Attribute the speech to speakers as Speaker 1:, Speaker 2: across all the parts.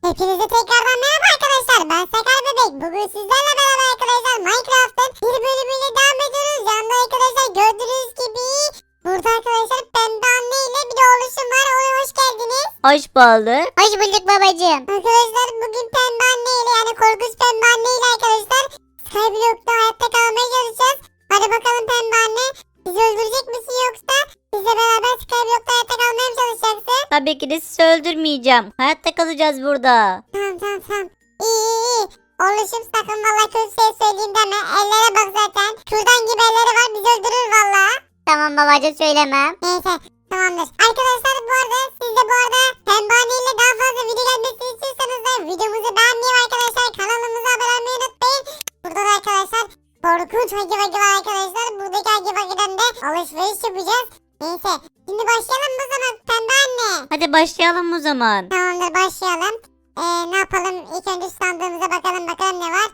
Speaker 1: Hepinize tekrardan merhaba arkadaşlar. Ben Sakar Bebek. Bugün sizlerle beraber arkadaşlar Minecraft'ın bir bölümüyle devam ediyoruz. Yanında arkadaşlar gördüğünüz gibi burada arkadaşlar Pembe Anne ile bir de oluşum var. Ona hoş geldiniz.
Speaker 2: Hoş bulduk.
Speaker 3: Hoş bulduk babacığım.
Speaker 1: Arkadaşlar bugün Pembe Anne ile yani korkunç Pembe Anne ile arkadaşlar Skyblock'ta hayatta kalmaya çalışacağız. Hadi bakalım Pembe Anne. Bizi öldürecek misin yoksa bizle beraber Skyblock'ta hayatta kalmaya mı çalışacaksın?
Speaker 2: Tabii ki de sizi öldürmeyeceğim. Hayatta kalacağız burada.
Speaker 1: Tamam. İyi. Oluşum sakın valla kötü şey söyleyeyim deme. Ellere bak zaten. Kürdan gibi elleri var bizi öldürür valla.
Speaker 3: Tamam babacığım söylemem.
Speaker 1: Neyse tamamdır. Arkadaşlar bu arada siz de bu arada Pembani ile daha fazla video gelmesini istiyorsanız da videomuzu beğenmeyi ve arkadaşlar kanalımıza abone olmayı unutmayın. Burada da arkadaşlar korkunç Hagi Vagi var arkadaşlar. Buradaki Hagi Vagi'den de alışveriş yapacağız. Neyse şimdi başlayalım mı o zaman Pembe Anne?
Speaker 2: Hadi başlayalım o zaman.
Speaker 1: Tamamdır başlayalım. Ne yapalım? İlk önce sandığımıza bakalım ne var?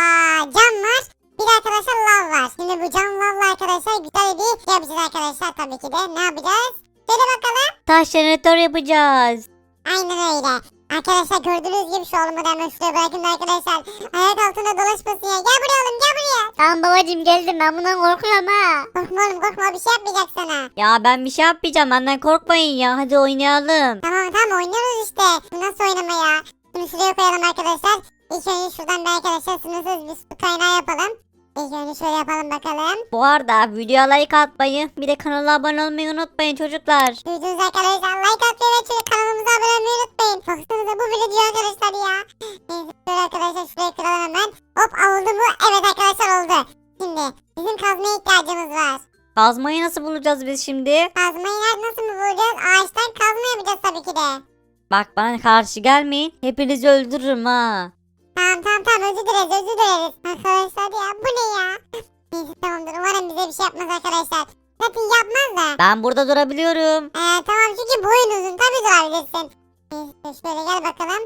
Speaker 1: Cam var. Bir de arkadaşlar lav var. Şimdi bu cam lavla arkadaşlar güzel bir şey yapacağız arkadaşlar tabii ki de. Ne yapacağız? Söyle bakalım.
Speaker 2: Taş jeneratör yapacağız.
Speaker 1: Aynen öyle. Arkadaşlar gördüğünüz gibi şu oğlumu da hemen şuraya bırakın da arkadaşlar. Ayak altında dolaşmasın ya. Gel buraya oğlum gel buraya.
Speaker 3: Tamam babacığım geldim, ben bundan korkuyorum ha.
Speaker 1: Korkma oğlum korkma bir şey yapmayacak sana.
Speaker 2: Ya ben bir şey yapmayacağım. Benden korkmayın ya. Hadi oynayalım.
Speaker 1: Tamam oynuyoruz işte. Bu nasıl oynama ya? Bunu şuraya koyalım arkadaşlar. İlk önce şuradan bir arkadaşlar sınırsız bir su kaynağı yapalım. İlk önce şöyle yapalım bakalım.
Speaker 2: Bu arada videoya like atmayı, bir de kanala abone olmayı unutmayın çocuklar.
Speaker 1: Duydunuz arkadaşlar like atmayı ve şöyle kanalımıza abone olmayı unutmayın. Baksanıza bu bile diyor arkadaşlar ya. Neyse şöyle arkadaşlar şuraya kıralım hemen. Hop oldu mu? Evet arkadaşlar oldu. Şimdi bizim kazmaya ihtiyacımız var.
Speaker 2: Kazmayı nasıl bulacağız biz şimdi?
Speaker 1: Kazmayı nasıl mı bulacağız? Ağaçtan kazma yapacağız tabii ki de.
Speaker 2: Bak bana karşı gelmeyin. Hepinizi öldürürüm ha.
Speaker 1: Tamam özür dileriz. Arkadaşlar ya bu ne ya? Neyse tamamdır umarım bize bir şey yapmaz arkadaşlar. Zaten yapmaz da.
Speaker 2: Ben burada durabiliyorum.
Speaker 1: Tamam çünkü boyun uzun tabii durabilirsin. Neyse şöyle gel bakalım.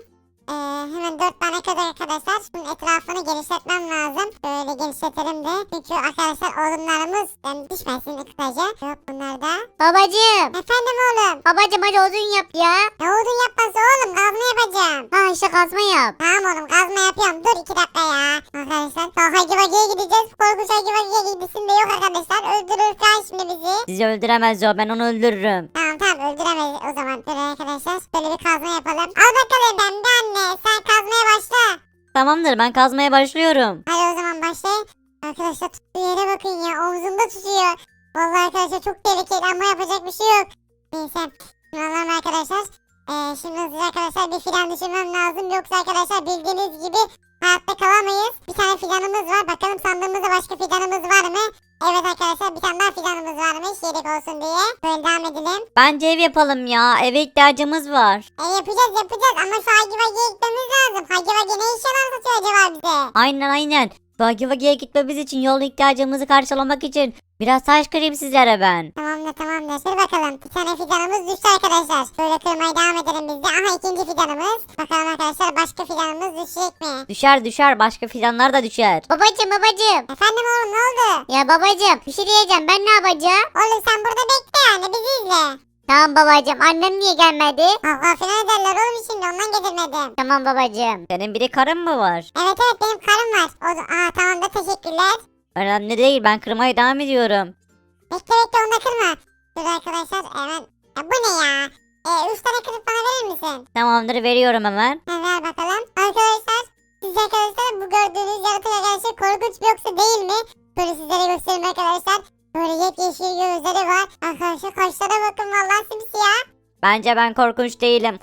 Speaker 1: Hemen 4 tane kadar arkadaşlar. Şunun etrafını genişletmem lazım. Böyle genişletelim de. Çünkü arkadaşlar odunlarımız yani düşmesin kısaca. Yok bunlar da.
Speaker 3: Babacığım.
Speaker 1: Efendim oğlum.
Speaker 3: Babacığım hadi odun yap ya.
Speaker 1: Ne odun yapması oğlum kazma yapacağım.
Speaker 3: Ha işte kazma yap.
Speaker 1: Tamam oğlum kazma yapıyorum. Dur 2 dakika ya. Arkadaşlar Hagi Vagi'ye gideceğiz. Korkunç Hagi Vagi'ye gibisin de yok arkadaşlar. Öldürür kan şimdi bizi.
Speaker 2: Sizi öldüremez o. Ben onu öldürürüm.
Speaker 1: Tamam öldüremeyiz o zaman. Dur arkadaşlar böyle bir kazma yapalım. Al bakalım Pembe Anne sen kazmaya başla.
Speaker 2: Tamamdır, ben kazmaya başlıyorum.
Speaker 1: Hadi o zaman başlayın. Arkadaşlar tuttuğu yere bakın ya omzumda tutuyor. Vallahi arkadaşlar çok tehlikeli ama yapacak bir şey yok. Neyse şimdi alalım arkadaşlar. Şimdi hızlıca arkadaşlar bir fidan düşürmem lazım. Yoksa arkadaşlar bildiğiniz gibi hayatta kalamayız. Bir tane fidanımız var. Bakalım sandığımızda başka fidanımız var mı? Evet arkadaşlar bir tane daha fidanımız varmış. Yedek olsun diye. Böyle devam edelim.
Speaker 2: Bence ev yapalım ya. Eve ihtiyacımız var.
Speaker 1: Yapacağız ama şu Hagi Vagi'ye gitmemiz lazım. Hagi Vagi ne işler anlatıyor acaba bize?
Speaker 2: Aynen. Bagi Bagi'ye gitmemiz için yol ihtiyacımızı karşılamak için biraz taş kırayım sizlere ben.
Speaker 1: Tamamdır. Dur bakalım. Bir tane fidanımız düştü arkadaşlar. Böyle kırmaya devam edelim biz de. Aha ikinci fidanımız. Bakalım arkadaşlar başka fidanımız düşecek mi?
Speaker 2: Düşer. Başka fidanlar da düşer.
Speaker 3: Babacığım.
Speaker 1: Efendim oğlum ne oldu?
Speaker 3: Ya babacığım bir şey diyeceğim, ben ne yapacağım?
Speaker 1: Oğlum sen burada bekle yani bizi izle.
Speaker 3: Tamam babacığım, annem niye gelmedi?
Speaker 1: Allah filan ederler oğlum şimdi ondan getirmedim.
Speaker 3: Tamam babacığım.
Speaker 2: Senin bir de karın mı var?
Speaker 1: Evet benim karım var. Tamam da teşekkürler.
Speaker 2: Önemli değil, ben kırmaya devam ediyorum.
Speaker 1: Bekle onu da kırma. Dur arkadaşlar hemen. Ya bu ne ya? 3 tane kırıp bana verir misin?
Speaker 2: Tamamdır, veriyorum hemen.
Speaker 1: Ver bakalım. Arkadaşlar siz arkadaşlar bu gördüğünüz yaratık arkadaşlar korkunç mu yoksa değil mi? Böyle sizlere göstereyim arkadaşlar. Böyle yepyeşil gözleri var. Arkadaşlar kaşlara bakın vallahi simsiyah.
Speaker 2: Bence ben korkunç değilim.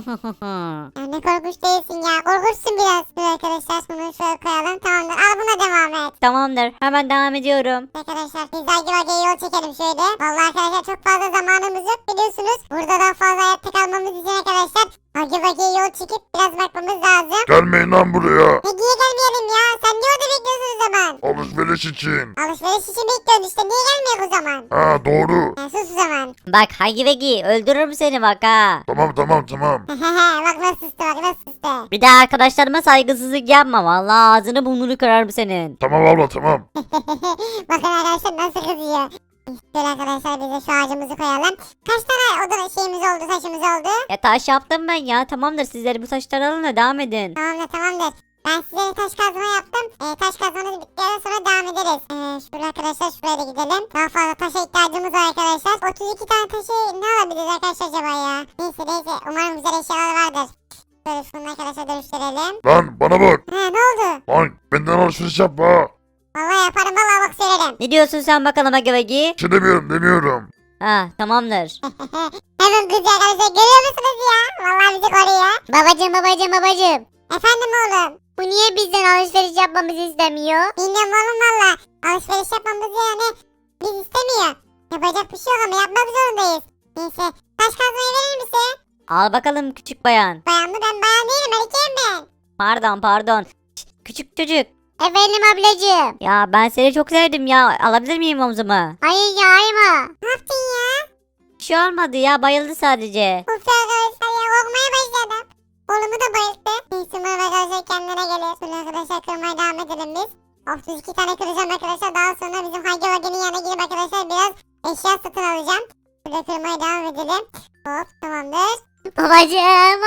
Speaker 1: Ya ne korkunç değilsin ya. Korkunçsun biraz. Dur arkadaşlar bunu şöyle koyalım. Tamamdır al buna devam et.
Speaker 2: Tamamdır, hemen devam ediyorum.
Speaker 1: Arkadaşlar biz Hagi Vagi'ye yol çekelim şöyle. Vallahi arkadaşlar çok fazla zamanımız yok biliyorsunuz. Burada daha fazla hayatta kalmamız için arkadaşlar Hagi Vagi'ye yol çekip biraz bakmamız lazım.
Speaker 4: Gelmeyin lan buraya.
Speaker 1: Ne niye gelmeyelim ya? Sen niye orada bekliyorsun o zaman?
Speaker 4: Alışveriş için.
Speaker 1: Alışveriş için bekliyorsun işte. Niye gelmiyor o zaman?
Speaker 4: Ha doğru.
Speaker 1: Ya sus o zaman.
Speaker 2: Bak Hagi Vegi, öldürürüm seni bak ha.
Speaker 4: Tamam.
Speaker 1: Bak nasıl sustu.
Speaker 2: Bir de arkadaşlarıma saygısızlık yapma. Vallahi ağzını burnunu kırarım senin.
Speaker 4: Tamam abla tamam.
Speaker 1: Bakın arkadaşlar nasıl kızıyor. Şöyle arkadaşlar biz de şu ağacımızı koyalım. Kaç tane oda şeyimiz oldu, taşımız oldu?
Speaker 2: Ya taş yaptım ben ya. Tamamdır, sizleri bu taşları alın da devam edin.
Speaker 1: Tamamdır. Ben size taş kazma yaptım. Taş kazmanız bittikten sonra devam ederiz. Şöyle arkadaşlar şuraya da gidelim. Daha fazla taşa ihtiyacımız var arkadaşlar. 32 tane taşı ne alabiliriz arkadaşlar acaba ya? Neyse. Umarım güzel eşyalar vardır. Böyle şunu arkadaşlar dönüştürelim.
Speaker 4: Lan bana bak.
Speaker 1: Ne oldu?
Speaker 4: Lan benden alışveriş yapma.
Speaker 1: Vallahi yaparım vallahi bak söylerim.
Speaker 2: Ne diyorsun sen bakalım Agavagi?
Speaker 4: Bir şey demiyorum.
Speaker 2: Ha, tamamdır.
Speaker 1: Hemen kızı arkadaşlar görüyor musunuz ya? Vallahi bizi koruyor.
Speaker 3: Babacım.
Speaker 1: Efendim oğlum.
Speaker 3: Bu niye bizden alışveriş yapmamızı istemiyor?
Speaker 1: Bilmiyorum oğlum valla. Alışveriş yapmamızı yani biz istemiyor. Yapacak bir şey yok ama yapmak zorundayız. Neyse. Taş kazmayı verir misin?
Speaker 2: Al bakalım küçük bayan.
Speaker 1: Bayan mı? Ben bayan değilim. Erkeğim ben.
Speaker 2: Pardon. Şşt, küçük çocuk.
Speaker 3: Efendim ablacım.
Speaker 2: Ya ben seni çok sevdim ya. Alabilir miyim omzuma?
Speaker 3: Hayır ya ayma.
Speaker 1: Ne yaptın ya?
Speaker 2: Bir şey olmadı ya, bayıldı sadece.
Speaker 1: Uf ya arkadaşlar ya korkmaya başladım. Oğlumu da bayılttı. Neyse umarım arkadaşlar kendine gelir. Şöyle arkadaşlar kırmaya devam edelim biz. 32 tane kıracağım arkadaşlar. Daha sonra bizim Hagi Vagi'nin yanına gidip arkadaşlar biraz eşya satın alacağım. Şöyle kırmaya devam edelim. Hop tamamdır.
Speaker 3: Babacım.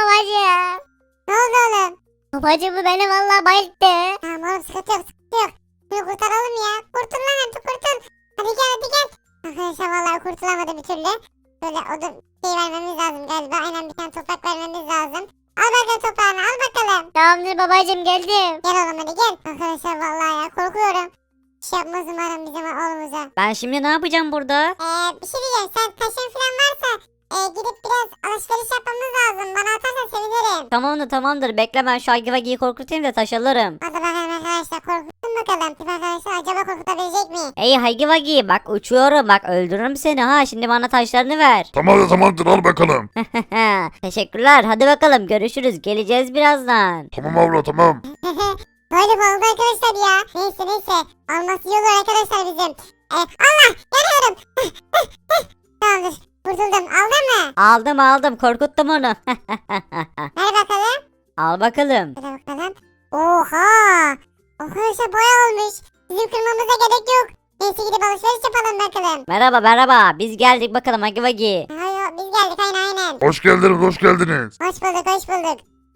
Speaker 1: Ne oldu oğlum?
Speaker 3: Babacım bu beni vallahi bayılttı.
Speaker 1: Tamam oğlum sıkıntı yok. Şunu kurtaralım ya. Kurtul lan artık kurtul. Hadi gel. Arkadaşlar vallahi kurtulamadı bir türlü. Böyle odun şey vermemiz lazım galiba. Aynen bir tane toprak vermemiz lazım. Al bakalım toprağını al bakalım.
Speaker 3: Tamamdır babacım geldim.
Speaker 1: Gel oğlum hadi gel. Arkadaşlar vallahi ya korkuyorum. Bir şey yapmaz umarım bizim oğlumuza.
Speaker 2: Ben şimdi ne yapacağım burada?
Speaker 1: Bir şey diyeceğim. Sen taşın falan varsa gidip biraz alışveriş yapmamız lazım. Bana atarsan sevinirim.
Speaker 2: Tamamdır. Bekle, ben şu Agivagi'yi korkutayım da taş alırım.
Speaker 1: Hadi bakalım arkadaşlar korkutun bakalım. Tip arkadaşlar acaba korkutabilecek mi?
Speaker 2: Hey Agivagi, bak uçuyorum, bak öldürürüm seni ha. Şimdi bana taşlarını ver.
Speaker 4: Tamamdır al bakalım.
Speaker 2: Teşekkürler. Hadi bakalım, görüşürüz. Geleceğiz birazdan.
Speaker 4: Tamam abla tamam.
Speaker 1: Böyle bu oldu arkadaşlar ya. Neyse. Alması iyi olur arkadaşlar bizim. Allah yanıyorum. Tamamdır. Kurtuldum. Aldın mı?
Speaker 2: Aldım. Korkuttum onu.
Speaker 1: Ver bakalım.
Speaker 2: Al bakalım.
Speaker 1: Hadi bakalım. Oha. Arkadaşlar boya olmuş. Bizim kırmamıza gerek yok. Neyse gidip alışveriş yapalım bakalım.
Speaker 2: Merhaba. Biz geldik bakalım Agivagi.
Speaker 1: Hayır biz geldik aynen.
Speaker 4: Hoş geldiniz.
Speaker 1: Hoş bulduk.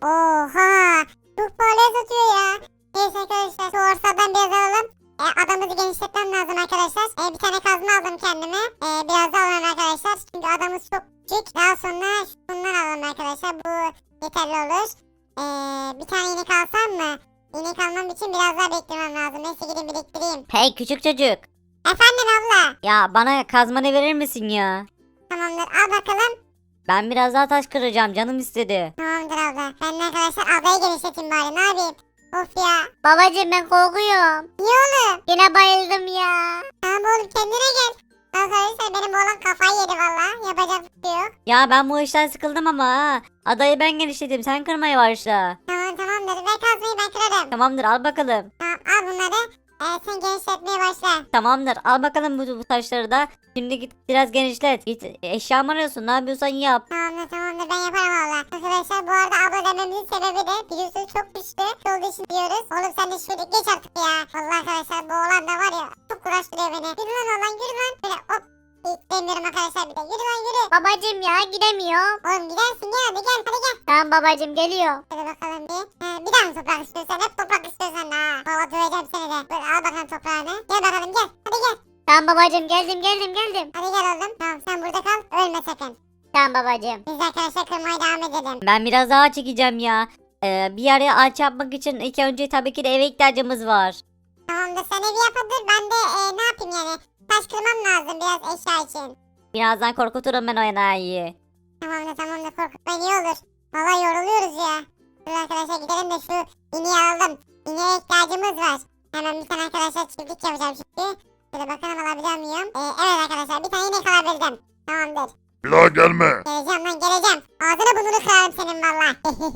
Speaker 1: Oha. Çok pahalıya satıyor ya. Neyse arkadaşlar şu ortadan biraz alalım. Adamımızı genişletmem lazım arkadaşlar. Bir tane kazma aldım kendime. Biraz da alalım arkadaşlar. Çünkü adamımız çok küçük. Daha sonra şundan alalım arkadaşlar. Bu yeterli olur. Bir tane inek alsam mı? İnek almam için biraz daha beklemem lazım. Neyse gidin biriktireyim.
Speaker 2: Hey küçük çocuk.
Speaker 1: Efendim abla.
Speaker 2: Ya bana kazmanı verir misin ya?
Speaker 1: Tamamdır al bakalım.
Speaker 2: Ben biraz daha taş kıracağım, canım istedi.
Speaker 1: Tamamdır abla. Ben de arkadaşlar ablayı genişleteyim bari. Ne yapayım? Of ya.
Speaker 3: Babacım ben korkuyorum.
Speaker 1: Niye oğlum?
Speaker 3: Yine bayıldım ya.
Speaker 1: Tamam oğlum kendine gel. Arkadaşlar benim oğlan kafayı yedi valla. Yapacak bir şey yok.
Speaker 2: Ya ben bu işten sıkıldım ama ha. Adayı ben genişledim, sen kırmaya başla.
Speaker 1: Tamamdır. Ver kazmayı ben kırarım.
Speaker 2: Tamamdır, al bakalım.
Speaker 1: Tamam al bunları. Sen genişletmeye başla.
Speaker 2: Tamamdır, al bakalım bu taşları da. Şimdi git biraz genişlet. Git eşya mı arıyorsun, ne yapıyorsan yap.
Speaker 1: Tamamdır ben yaparım valla. Arkadaşlar bu arada abla dememizin sebebi de biliyorsunuz çok güçlü olduğu için diyoruz. Oğlum sen de şöyle geç artık ya. Vallahi arkadaşlar bu oğlan da var ya çok uğraştırıyor beni. Yürü lan oğlan yürü lan. Böyle hop. Demiyorum arkadaşlar bir de. Yürü lan yürü.
Speaker 3: Babacım ya gidemiyorum.
Speaker 1: Oğlum gidersin gel hadi gel.
Speaker 3: Tamam babacım geliyor.
Speaker 1: Hadi bakalım bir. Bir daha mı toprak istiyorsan? Hep toprak istiyorsan ha. Valla döveceğim seni de. Böyle al bakalım toprağını. Gel bakalım gel. Hadi gel.
Speaker 3: Tamam babacım geldim.
Speaker 1: Hadi gel oğlum. Tamam sen burada kal. Ölme sakın.
Speaker 3: Tamam babacım.
Speaker 1: Biz de arkadaşlar kırmaya devam edelim.
Speaker 2: Ben biraz daha çekeceğim ya. Bir yere ağaç yapmak için ilk önce tabii ki de eve ihtiyacımız var.
Speaker 1: Tamamdır sen evi yapıldır. Ben de ne yapayım yani. Taş kırmam lazım biraz eşya için.
Speaker 2: Birazdan korkuturum ben o enayiyi.
Speaker 1: Tamamdır korkutmayın iyi olur. Valla yoruluyoruz ya. Dur arkadaşlar gidelim de şu ineği alalım. İneğe ihtiyacımız var. Hemen bir tane arkadaşlar çiftlik yapacağım şimdi. Şöyle bakalım alabiliyor muyum? Evet arkadaşlar bir tane inek alabildim. Tamamdır.
Speaker 4: Bir daha gelme.
Speaker 1: Geleceğim. Ağzını burnunu kırarım senin valla.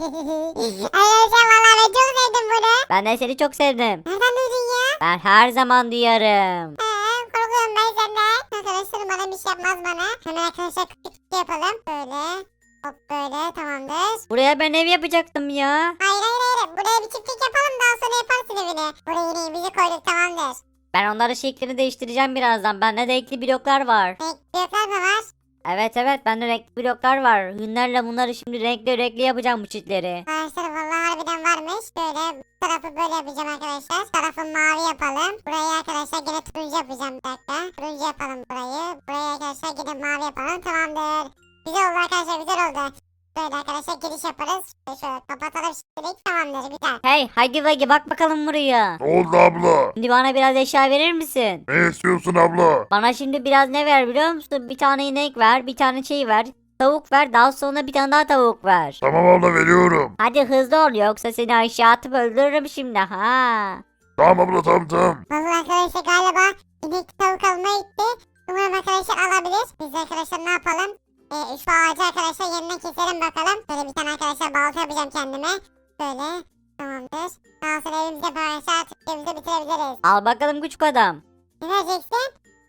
Speaker 1: Arkadaşlar valla ben çok sevdim bunu.
Speaker 2: Ben de seni çok sevdim.
Speaker 1: Nereden duydun ya?
Speaker 2: Ben her zaman duyarım.
Speaker 1: Korkuyorum ben senden. Arkadaşlar bana bir şey yapmaz bana. Hemen arkadaşlar küçük bir şey yapalım. Böyle. Hop böyle tamamdır.
Speaker 2: Buraya ben ev yapacaktım ya.
Speaker 1: Hayır. Buraya bir çiftlik yapalım daha sonra yaparsın evini. Buraya ineğimizi koyduk tamamdır.
Speaker 2: Ben onların şeklini değiştireceğim birazdan. Bende renkli bloklar var.
Speaker 1: Bloklar mı var?
Speaker 2: Evet bende renkli bloklar var. Hünlerle bunları şimdi renkli yapacağım bu çitleri.
Speaker 1: Arkadaşlar vallahi harbiden varmış. Böyle bu tarafı böyle yapacağım arkadaşlar. Bu tarafı mavi yapalım. Burayı arkadaşlar yine turuncu yapacağım bir dakika. Turuncu yapalım burayı. Burayı arkadaşlar yine mavi yapalım. Tamamdır. Güzel oldu arkadaşlar, güzel oldu. Böyle arkadaşlar giriş yaparız. Şöyle kapatalım şimdilik. Tamamdır, güzel.
Speaker 2: Hey Huggy Wuggy bak bakalım buraya.
Speaker 4: Ne oldu abla?
Speaker 2: Şimdi bana biraz eşya verir misin?
Speaker 4: Ne istiyorsun abla?
Speaker 2: Bana şimdi biraz ne ver biliyor musun? Bir tane inek ver, bir tane şey ver. Tavuk ver, daha sonra bir tane daha tavuk ver.
Speaker 4: Tamam abla veriyorum.
Speaker 2: Hadi hızlı ol yoksa seni aşağı atıp öldürürüm şimdi ha.
Speaker 4: Tamam abla tamam.
Speaker 1: Vallahi arkadaşlar galiba inek tavuk almaya gitti. Umarım arkadaşlar alabilir. Biz de arkadaşlar ne yapalım? Şu ağacı arkadaşlar yeniden keselim bakalım. Böyle bir tane arkadaşlar balta yapacağım kendime. Böyle. Tamamdır. Daha sonra evimize arkadaşlar artık evimizi bitirebiliriz.
Speaker 2: Al bakalım küçük adam.
Speaker 1: Ne vereceksin?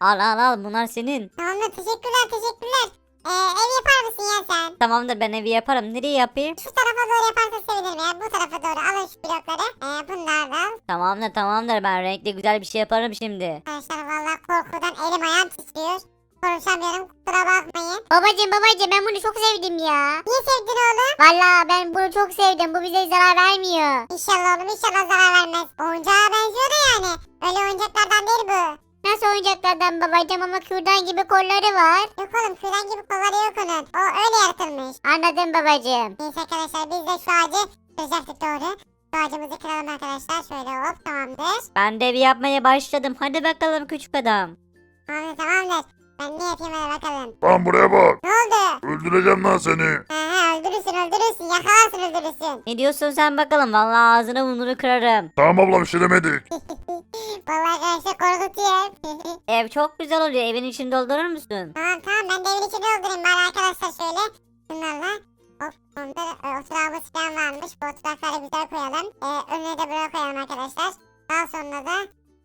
Speaker 2: Al bunlar senin.
Speaker 1: Tamamdır, teşekkürler. Ev yapar mısın ya sen?
Speaker 2: Tamamdır ben evi yaparım. Nereye yapayım?
Speaker 1: Şu tarafa doğru yaparsan sevinirim ya. Bu tarafa doğru alın şu blokları. Bunlar da.
Speaker 2: Tamamdır ben renkli güzel bir şey yaparım şimdi.
Speaker 1: Arkadaşlar valla korkudan elim ayağım titriyor. Konuşamıyorum, kusura bakmayın.
Speaker 3: Babacım ben bunu çok sevdim ya.
Speaker 1: Niye sevdin oğlum?
Speaker 3: Valla ben bunu çok sevdim. Bu bize zarar vermiyor.
Speaker 1: İnşallah oğlum, inşallah zarar vermez. Oyuncağa benziyor da yani. Öyle oyuncaklardan değil bu.
Speaker 3: Nasıl oyuncaklardan babacım ama kürdan gibi kolları var.
Speaker 1: Yok oğlum, küren gibi kolları yok onun. O öyle yaratılmış.
Speaker 3: Anladım babacım.
Speaker 1: Neyse arkadaşlar, biz de şu ağacı kıracaktık doğru. Şu ağacımızı kıralım arkadaşlar. Şöyle hop, tamamdır.
Speaker 2: Ben de evi yapmaya başladım. Hadi bakalım küçük adam.
Speaker 1: Tamamdır. Ben ne yapayım hadi bakalım.
Speaker 4: Lan buraya bak.
Speaker 1: Ne oldu?
Speaker 4: Öldüreceğim lan seni.
Speaker 1: Öldürürsün. Yakalarsın, öldürürsün.
Speaker 2: Ne diyorsun sen bakalım? Vallahi ağzını burnunu kırarım.
Speaker 4: Tamam abla bir şey demedik.
Speaker 1: Vallahi arkadaşlar korkutuyor.
Speaker 2: Ev çok güzel oluyor. Evin içini doldurur musun?
Speaker 1: Tamam ben de evin içine doldurayım bari arkadaşlar şöyle. Bunlarla. Hop onda oturağımız falan varmış. Bu oturakları güzel koyalım. Önüne de buraya koyalım arkadaşlar. Daha sonra da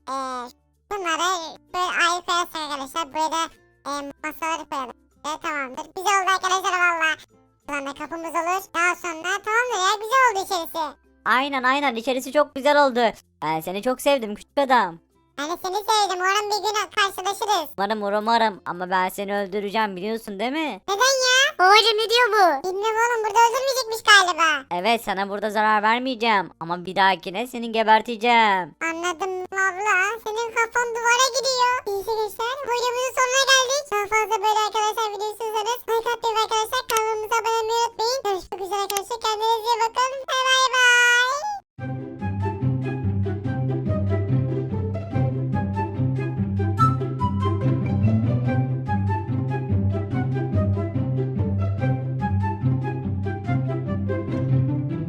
Speaker 1: bunları böyle ayrı koyarsak arkadaşlar. Buraya da masaları koyalım. Tamamdır. Güzel oldu arkadaşlar valla. Buradan da kapımız olur. Daha sonra tamamdır ya, güzel oldu içerisi.
Speaker 2: Aynen içerisi çok güzel oldu. Ben seni çok sevdim küçük adam.
Speaker 1: Ben de seni sevdim. Umarım bir gün karşılaşırız.
Speaker 2: Umarım ama ben seni öldüreceğim biliyorsun değil mi?
Speaker 1: Neden ya?
Speaker 3: Babacım ne diyor bu?
Speaker 1: Bilmiyorum oğlum, burada öldürmeyecekmiş galiba.
Speaker 2: Evet sana burada zarar vermeyeceğim. Ama bir dahakine seni geberteceğim.
Speaker 1: Anladım abla. Senin kafan duvara gidiyor. Neyse gençler, videomuzun sonuna geldik. Daha fazla böyle arkadaşlar video istiyorsanız like atmayı ve arkadaşlar kanalımıza abone olmayı unutmayın. Görüşmek üzere arkadaşlar. Kendinize iyi bakın.